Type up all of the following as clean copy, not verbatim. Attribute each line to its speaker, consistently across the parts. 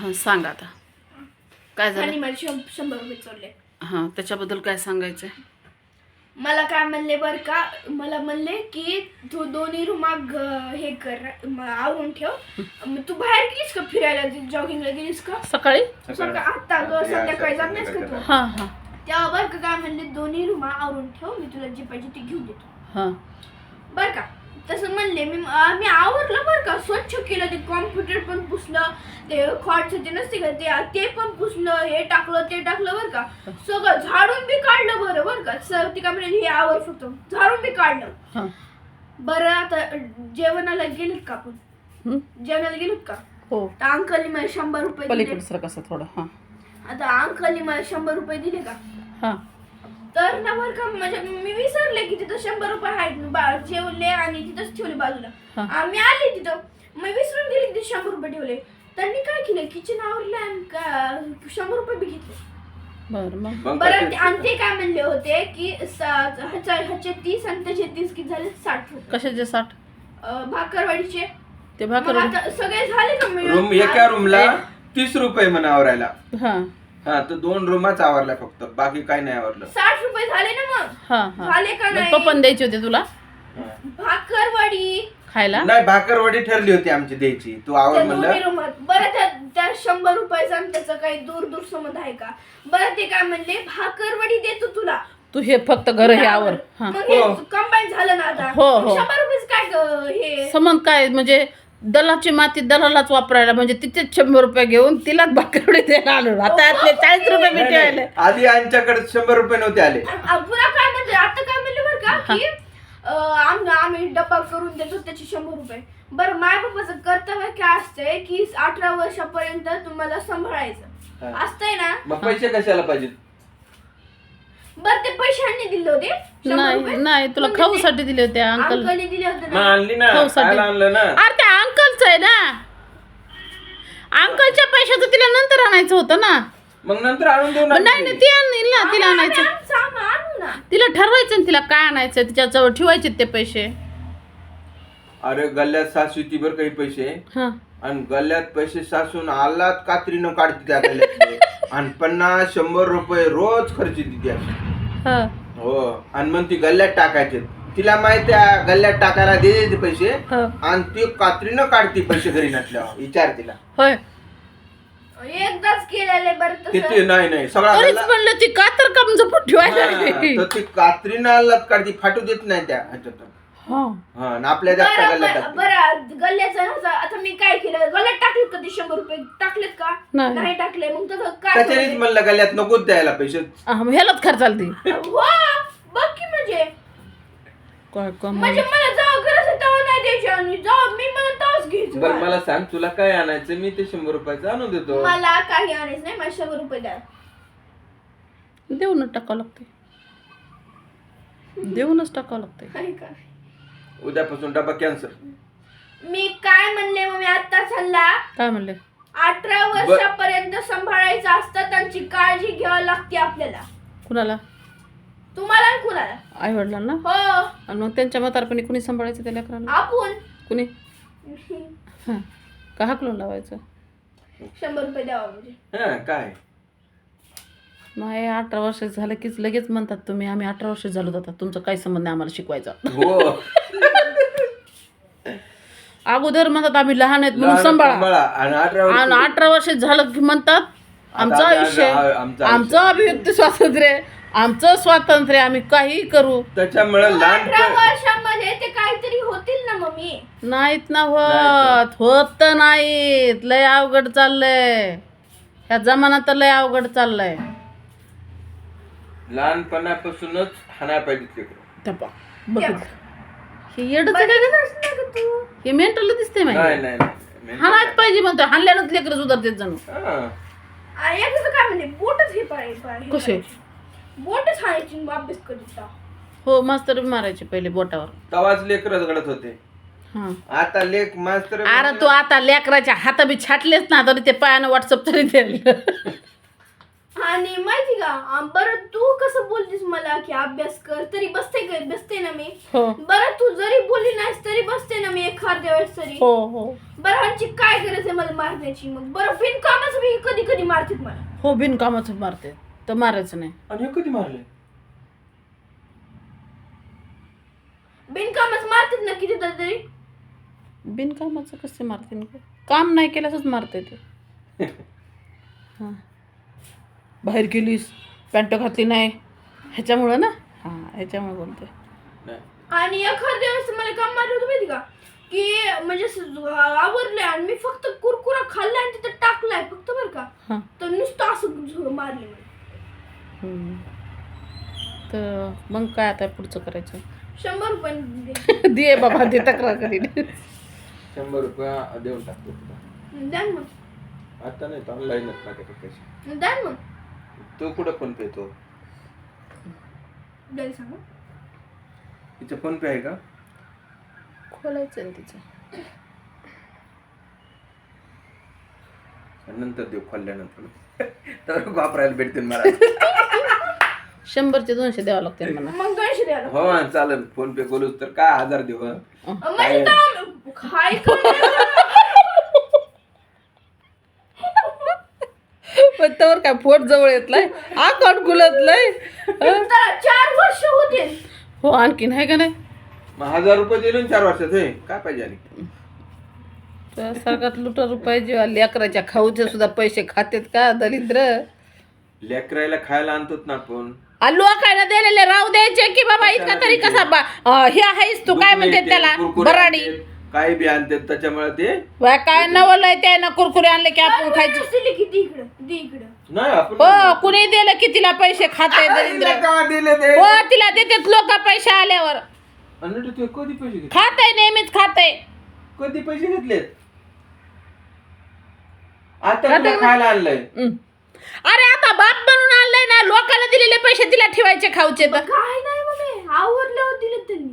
Speaker 1: हां सांग आता काय झालं.
Speaker 2: आणि मला 100 रुपये चोरले.
Speaker 1: हां त्याच्याबद्दल काय सांगायचं.
Speaker 2: मला काय म्हणले बर का, मला म्हणले की तू दोन्ही रुमा हे कर आवरून ठेव. तू बाहेर गेलीस का फिरायला, जॉगिंगला गेलीस का
Speaker 1: सकाळी.
Speaker 2: आता संध्याकाळी जात नाहीस का तू.
Speaker 1: हां हां
Speaker 2: तेव्हा बर का काय म्हणले, दोन्ही रुमा आवरून ठेव, मी तुला जे पाहिजे ते घेऊन देतो.
Speaker 1: हां
Speaker 2: बर का तसं म्हणले. मी आवरलं बर का, स्वच्छ केलं, ते कॉम्प्युटर पण पुसलं, ते खॉट्स ते नसते का ते पण पुसलं, हे टाकलं ते टाकलं बर का, सगळं झाडून बी काढलं. बर का सर ते काय म्हणले, हे आवर फक्त झाडून बी काढलं.
Speaker 1: हां
Speaker 2: बरं आता जेवणाला गेलेत का आपण, जेवणाला गेलेत का.
Speaker 1: हो
Speaker 2: तर अंकलनी मला 100 रुपये दिले.
Speaker 1: पलीकडे सर कसं थोडं. हां
Speaker 2: आता अंकलनी मला 100 रुपये दिले का,
Speaker 1: हां
Speaker 2: तर ना बरं का म्हणजे मी विसरले की तिथं 100 रुपये आहेत, जेवले आणि तिथंच ठेवले बाजूला. आम्ही आले तिथं, मी विसरून गेले की 100 रुपये ठेवले. त्यांनी काय केलं, किचन आवरलं आणि 100 रुपये बी घेतले.
Speaker 1: बरं
Speaker 2: बरं आणि ते काय म्हणले होते की ह्याचे 30 आणि त्याचे 30 किती झाले, 60 रुपये.
Speaker 1: कशाचे 60.
Speaker 2: भाकरवाडीचे
Speaker 1: ते
Speaker 2: मग
Speaker 1: भाकर.
Speaker 2: आता सगळे झाले का
Speaker 3: रूम एका रूमला 30 रुपये म्हणा आवरायला.
Speaker 1: हां
Speaker 3: हा तर 2 रूमच आवरल्या फक्त, बाकी काही नाही आवरलं.
Speaker 2: 60 रुपये झाले ना मग.
Speaker 1: हां हां
Speaker 2: झाले का नाही.
Speaker 1: पप्पन द्यायचे होते तुला
Speaker 2: भाकरवाडी
Speaker 1: खायला.
Speaker 3: नाही भाकरवडी ठरली होती आमची द्यायची, तू आवर
Speaker 2: त्या दोन्ही
Speaker 3: म्हणलं.
Speaker 2: रूमात. बरं त्या 100 रुपयाचा आणि त्याचा काही दूर दूर संबंध आहे का. बरं ते काय म्हणले, भाकरवडी देतो तुला,
Speaker 1: तू हे फक्त घर हे आवर. हां
Speaker 2: मग हे कंबाईन झालं ना आता.
Speaker 1: हो, हो.
Speaker 2: 100 रुपये काय हे
Speaker 1: समज काय म्हणजे दलाची माती दलालाच वापरायला, म्हणजे तिथेच 100 रुपये घेऊन तिलाच भाकरवडी द्यायला आलो. आता यातले 40 रुपये मी ठेवले.
Speaker 3: आधी आमच्याकडे 100 रुपये नव्हते आले.
Speaker 2: पुन्हा काय म्हणते आता काय म्हणले बरं का की आम्ही डब्बा करून देतो त्याचे 100 रुपये. बरं माय बाबाचं कर्तव्य काय असतंय की 18 वर्षापर्यंत तुम्हाला सांभाळायचं असतंय ना.
Speaker 3: मग पैसे कशाला पाहिजे.
Speaker 2: बरं ते पैशांनी दिले होते 100 रुपये?
Speaker 1: नाही नाही तुला खाऊसाठी दिले होते अंकल.
Speaker 2: अंकलने दिले होते
Speaker 3: मग
Speaker 2: ना.
Speaker 3: आणली ना,
Speaker 1: खाऊसाठी.
Speaker 3: खायला आणलं ना.
Speaker 1: अरे त्या अंकलचं आहे ना, अंकलच्या पैशाचं तिला नंतर आणायचं होतं ना.
Speaker 3: मग नंतर आणून देऊ ना.
Speaker 1: नाही नाही ती आणील ना, तिला आणायचं.
Speaker 2: आणू ना.
Speaker 1: तिला ठरवायचं ना तिला काय आणायचं, तिच्याजवळ ठेवायचे ते पैसे.
Speaker 3: अरे गल्ल्यात सासू ती बरं काही पैसे,
Speaker 1: हां
Speaker 3: आणि गल्ल्यात पैसे सासून आलात कात्रीनं काढते त्या गल्ल्यातले. आणि 50-100 रुपये रोज खर्च देते अशी.
Speaker 1: हां
Speaker 3: हो आणि मग ती गल्ल्यात टाकायचे. तिला माहिती आहे गल्ल्यात टाकायला दे पैसे,
Speaker 1: हां
Speaker 3: आणि ती कात्रीनं काढते पैसे घरी नसल्यावर. विचार तिला
Speaker 1: होय.
Speaker 2: एकदाच केलेले. बरं तसं
Speaker 3: किती. नाही सगळा
Speaker 1: तरीच
Speaker 3: गल्ला-
Speaker 1: म्हणलं ती कातर काम जपून ठेवायला
Speaker 3: हा,
Speaker 1: लागली.
Speaker 3: तर ती कात्रीनं आलात काढते, फाटू देत नाही त्या ह्याच्यातून.
Speaker 1: हां
Speaker 3: हा आणि आपल्या जागच्या गल्ल्यात टाकते.
Speaker 2: बरं गल्ल्याचं नव्हतं. आता मी काय केलं, गल्ल्यात टाकलेत का ते 100 रुपये टाकलेत का
Speaker 1: नाही.
Speaker 2: नाही टाकले. मग तसं काय
Speaker 3: त्याच्यानेच
Speaker 2: करू?
Speaker 3: म्हणलं गल्ल्यात नकोच द्यायला पैसे.
Speaker 1: मग ह्यालाच खर्चाला ती.
Speaker 2: हो बघ की म्हणजे
Speaker 1: काय काम.
Speaker 2: म्हणजे मला जेव्हा गरज आहे तेव्हा नाही द्यायची, आणि जेव्हा मी मला तेव्हाच घ्यायची.
Speaker 3: बरं मला सांग तुला काय आणायचं, मी ते 100 रुपयाचं आणून देतो.
Speaker 2: मला काही आणायचं नाही, मला 100 रुपये द्या.
Speaker 1: देऊनच टाकावं लागते, देऊनच टाकावं लागते.
Speaker 2: आहे का.
Speaker 3: उद्यापासून डबा कॅन्सर.
Speaker 2: मी काय म्हणले मग, मी आता चालला.
Speaker 1: काय म्हणले.
Speaker 2: 18 वर्षापर्यंत सांभाळायचं असतं, त्यांची काळजी घ्यावी लागते आपल्याला.
Speaker 1: कुणाला.
Speaker 2: तुम्हाला आणि कुणाला.
Speaker 1: आई वडिलांना.
Speaker 2: हो
Speaker 1: आणि मग त्यांच्या म्हातारपणी कुणी सांभाळायचं त्या लेकरांना.
Speaker 2: आपण
Speaker 1: कुणी. हां का हाकलून लावायचं.
Speaker 2: 100 रुपये द्यावा म्हणजे.
Speaker 3: हा काय
Speaker 1: नाही 18 वर्ष झालं कीच लगेच म्हणतात तुम्ही आम्ही 18 वर्ष झालो जातात, तुमचा काही संबंध नाही आम्हाला शिकवायचा.
Speaker 3: हो
Speaker 1: अगोदर म्हणतात आम्ही लहान आहेत म्हणून
Speaker 3: लहान
Speaker 1: सांभाळा,
Speaker 3: सांभाळा. आणि 18 वर्ष-
Speaker 1: आणि 18 वर्ष झालं की म्हणतात आमचं
Speaker 3: आता
Speaker 1: आयुष्य,
Speaker 3: आमचं
Speaker 1: आमचं अभिव्यक्ती स्वातंत्र्य, आमचं स्वातंत्र्य, आम्ही काही करू.
Speaker 3: त्याच्यामुळे
Speaker 2: 18
Speaker 3: लहान
Speaker 2: वर्षामध्ये ते काहीतरी होतील ना मम्मी.
Speaker 1: नाहीत ना होत नाहीत. लय अवघड चाललंय ह्या जमाना, तर लय अवघड चाललंय.
Speaker 3: लहानपणापासूनच हाणाय पाहिजे लेकरं.
Speaker 1: त्या बघितलं हे येडच काय गं?
Speaker 2: तू
Speaker 1: हे मेंटल दिसते
Speaker 3: नाही
Speaker 1: माहिती.
Speaker 3: नाही नाही.
Speaker 1: हाणायच पाहिजे म्हणतो, हाणल्यानंच लेकर सुधारते जणू.
Speaker 3: हा.
Speaker 2: एकदा काय म्हणले, बोटच हे पाहिजे.
Speaker 1: कसे.
Speaker 2: बोटच हाणायची अभ्यास करीत.
Speaker 1: हो मास्तर बी मारायचे पहिले बोटावर.
Speaker 3: तवाच लेकरच घडत होते.
Speaker 1: हा
Speaker 3: आता लेक मास्तर.
Speaker 1: अरे तू आता लेकराच्या हाता बी छाटलेच ना तरी ते पायानं व्हॉट्सअप तरी दे.
Speaker 2: आणि माहिती का बरं तू कसं बोलतीस मला की अभ्यास कर तरी बसते ना मी.
Speaker 1: हो
Speaker 2: बरं तू जरी बोलली नाहीस तरी बसते ना मी एखाद्या वेळेस तरी.
Speaker 1: हो हो
Speaker 2: बरं ह्यांची काय गरज आहे मला मारण्याची मग. बरं बिनकामाचं मी कधी कधी मारतात मला.
Speaker 1: हो बिनकामाचं मारते तर मारायचं नाही.
Speaker 3: आणि हे कधी मारले?
Speaker 2: बिनकामच मारतात ना किती तरी.
Speaker 1: बिनकामाचं कसं मारते काम नाही केल्यासच मारते ते. हां बाहेर गेलीस पॅन्ट घातली नाही ह्याच्यामुळं ना. हां ह्याच्यामुळे बोलते.
Speaker 3: नाही.
Speaker 2: आणि एखाद्या वेळेस मला काम मारलं होतं माहिती का की म्हणजे आवरलंय आणि मी फक्त कुरकुरा खाल्लाय आणि तिथं टाकलाय फक्त बरं का.
Speaker 1: हां
Speaker 2: तर नुसतं असं मारले मला.
Speaker 1: तर मग काय आता पुढचं करायचं.
Speaker 2: 100 रुपये दे.
Speaker 1: दे बाबा दे तक्रार करीन.
Speaker 3: 100 रुपये देऊन टाकतो तुला.
Speaker 2: द्या मग.
Speaker 3: आता नाही ऑनलाईनच टाकतो पैसे.
Speaker 2: द्या मग.
Speaker 3: तो कुठं फोन पे तो?
Speaker 2: द्यायला सांगा.
Speaker 3: तिचं फोन पे आहे का?
Speaker 1: खोलायचं ना तिचं.
Speaker 3: नंतर देऊ खोलल्यानंतर तर वापरायला भेटतील मला.
Speaker 1: 100चे 200 द्यावं लागते मला.
Speaker 2: मग 200 द्यायला.
Speaker 3: हो चालेल. फोन पे बोलूच तर काय 1000 देऊ.
Speaker 2: म्हणजे काय
Speaker 1: पण त्यावर काय फोट जवळ येतलाय अकाउंट खुलतलंय.
Speaker 2: 4 वर्ष होते.
Speaker 1: हो आणखीन आहे का नाही.
Speaker 3: मग 1000 रुपये दिले 4 वर्षात. हे काय पाहिजे आणि
Speaker 1: सरकार लुटा रुपये जेव्हा लेकराच्या खाऊचे सुद्धा पैसे खातेत का दलिद्र.
Speaker 3: लेकरायला खायला आणतोत ना आपण.
Speaker 1: आलू काय ना दिलेले राहू द्यायचे की बाबा इतका तरी कसा हे आहेस तू काय म्हणते त्याला बराडी
Speaker 3: काही बी आणतात त्याच्यामुळे ते
Speaker 1: काय नवलंय ते ना कुरकुरे आणले की आपण खायचे.
Speaker 2: किती इकडं दे इकडं.
Speaker 3: नाही आपण
Speaker 1: हो कुणी दिलं की तिला पैसे खाते दरिद्र.
Speaker 3: का दिले ते?
Speaker 1: हो तिला देतात लोक पैसे आल्यावर.
Speaker 3: आणि तू कधी पैसे घेतले?
Speaker 1: खाते नेहमीच खाते.
Speaker 3: कधी पैसे घेतलेत? आता तुला खायला आणलंय.
Speaker 1: अरे आता बाप बनून आणलंय ना लोकांना दिलेले पैसे तिला ठेवायचे खाऊचे तर.
Speaker 2: काय नाही मग आवरल्यावर दिले त्यांनी.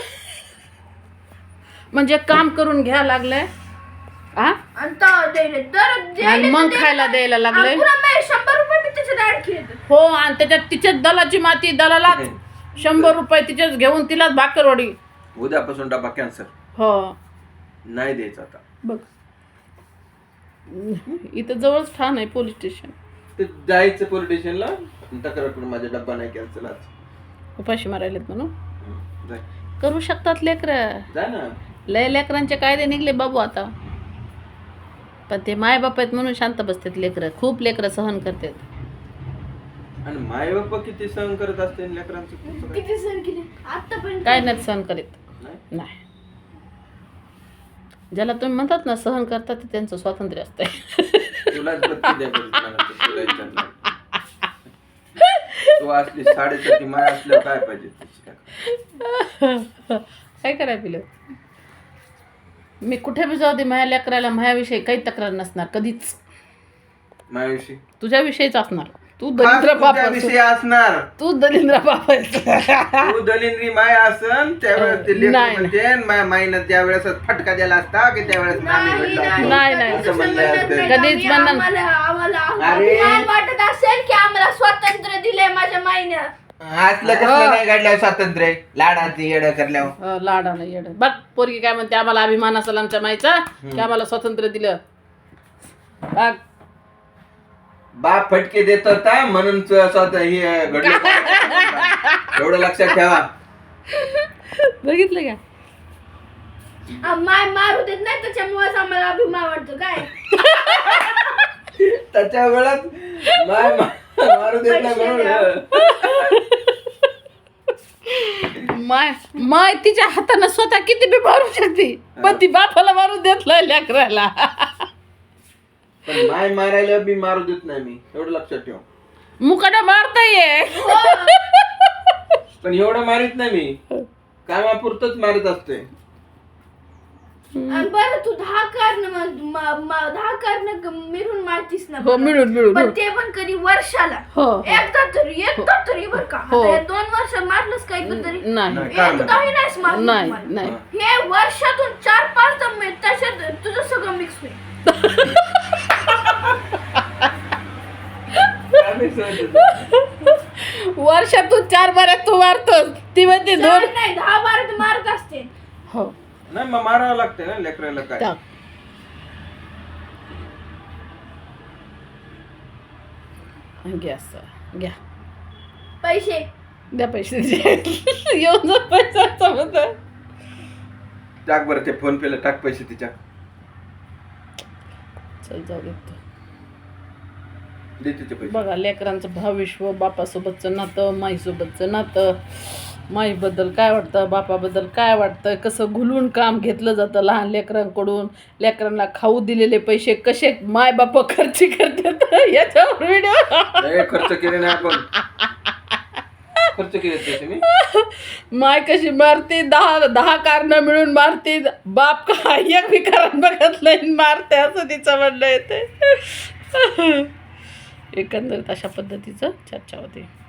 Speaker 1: म्हणजे काम करून घ्या लागलंय हा आणि मग खायला द्यायला लागलंय.
Speaker 2: 100 रुपये मी त्याच्यात ऍड केले.
Speaker 1: हो आणि त्याच्यात तिच्याच दलाची माती दलालाच 100 रुपये तिच्याच घेऊन तिलाच भाकरवडी.
Speaker 3: उद्यापासून डबा कॅन्सर.
Speaker 1: हो
Speaker 3: नाही द्यायचं आता.
Speaker 1: बघ इथं जवळच ठाण आहे पोलीस स्टेशन.
Speaker 3: ते जायचं पोलीस स्टेशनला तक्रार करून माझा डब्बा नाही कॅन्सल आज.
Speaker 1: उपाशी मारायलेत म्हणून
Speaker 3: जाय.
Speaker 1: करू शकतात लेकरं.
Speaker 3: जा ना.
Speaker 1: लय लेकरांचे कायदे निघले बाबू आता. पण ते माय बाप आहेत म्हणून शांत बसतात लेकरं. खूप लेकरं सहन करतात.
Speaker 3: आणि माय बाप्पा किती सहन करत असते लेकरांचं.
Speaker 2: किती सण केले आतापर्यंत.
Speaker 1: काय नाही सहन करीत
Speaker 3: नाही.
Speaker 1: नाही. ज्याला तुम्ही म्हणतात ना सहन करतात ते त्यांचं स्वातंत्र्य असतंय.
Speaker 3: तुलाच बत्ती द्या बरं मला तर तुला विचारलं. तू असली 3.5 माय असल्यावर काय पाहिजे
Speaker 1: काय करायला पिलं. मी कुठे बी जाऊ दे माझ्या लेकराला माझ्याविषयी काही तक्रार नसणार कधीच.
Speaker 3: माझ्याविषयी
Speaker 1: तुझ्याविषयीच असणार. तू दलिंद्र बाप
Speaker 3: विषय असणार.
Speaker 1: तू दलिंद्र बाप
Speaker 3: तू दलिंद्री माय असन त्यावेळेस ते लेकरं
Speaker 1: नाही.
Speaker 3: म्हणते माय माईनं त्यावेळेस फटका दिला असता की त्यावेळेस आम्ही भेटलो असतो.
Speaker 1: नाही, नाही.
Speaker 3: असं म्हणलं असतं.
Speaker 1: कधीच म्हणणार.
Speaker 2: आम्हाला
Speaker 3: अरे.
Speaker 2: अभिमान वाटत असेल की आम्हाला स्वातंत्र्य दिले माझ्या माईनं.
Speaker 3: असलं कसलं नाही घडलं स्वातंत्र्य लाडाची येडं करल्यावर.
Speaker 1: लाडानं येड बघ पोरगी काय म्हणते आम्हाला अभिमान असेल आमच्या माईचा की आम्हाला स्वातंत्र्य दिलं. बघ
Speaker 3: बाप फटके देत होता म्हणून स्वतः हे घडलं. एवढं लक्षात ठेवा.
Speaker 1: बघितलं का
Speaker 2: माय मारू देत नाही त्याच्यामुळेच आम्हाला अभिमान वाटतो काय.
Speaker 3: त्याच्या वेळात माय मारू देत नाही म्हणून.
Speaker 1: माय माय तिच्या हातानं स्वतः किती बी मारू शकते पण ती बापाला मारू देत नाही लेकराला.
Speaker 3: पण माय मारायला बी मारू देत नाही मी. एवढं लक्षात ठेव.
Speaker 1: मुकाटा मारता ये
Speaker 3: पण एवढं मारित नाही मी. कामापुरतच मारत असते.
Speaker 2: बरं तू 10 कारण मिळून मारतीस ना.
Speaker 1: हो मिळून मिळून
Speaker 2: पण ते पण कधी वर्षाला.
Speaker 1: हो
Speaker 2: एकदा तरी बरं का.
Speaker 1: हो.
Speaker 2: आता 2 वर्ष मारलंस का कधी.
Speaker 1: नाही
Speaker 2: एकदाही नाहीस मारलं
Speaker 1: नाही
Speaker 2: तुम्हाला.
Speaker 1: नाही
Speaker 2: हे वर्षातून 4-5 तर त्याच्यात तुझं सगळं मिक्स होईल.
Speaker 3: पैसे होते.
Speaker 1: वर्षातून 4 बऱ्यात तू मारतोस, ती म्हणते 2.
Speaker 2: चार नाही 10-12 तर मारत असते.
Speaker 1: हो
Speaker 3: नाही मग मारावं लागते ना लेकराला काय.
Speaker 1: टाक. गॅस घ्या,
Speaker 2: पैसे
Speaker 1: द्या पैसे येऊन जा पैशाचा मुद्दा.
Speaker 3: टाक बरं ते फोन पेला टाक पैसे तिच्या.
Speaker 1: चल जाऊ देतो.
Speaker 3: दे तिचे पैसे.
Speaker 1: बघा लेकरांचं भविष्य, बापासोबतचं नातं, माईसोबतचं नातं, माईबद्दल काय वाटतं, बापाबद्दल काय वाटतं, कसं घुलून काम घेतलं जातं लहान लेकरांकडून. लेकरांना खाऊ दिलेले पैसे कसे माय बाप खर्च करतात याच्यावर व्हिडिओ.
Speaker 3: ए, खर्च केले नाही आपण. खर्च केले पैसे मी.
Speaker 1: माय कशी मारते, 10 कारणं मिळून मारते. बाप का एक बी कारण बघत नाही मारते, असं तिचं म्हणणं येते. एकंदरीत अशा पद्धतीचं चर्चा होते.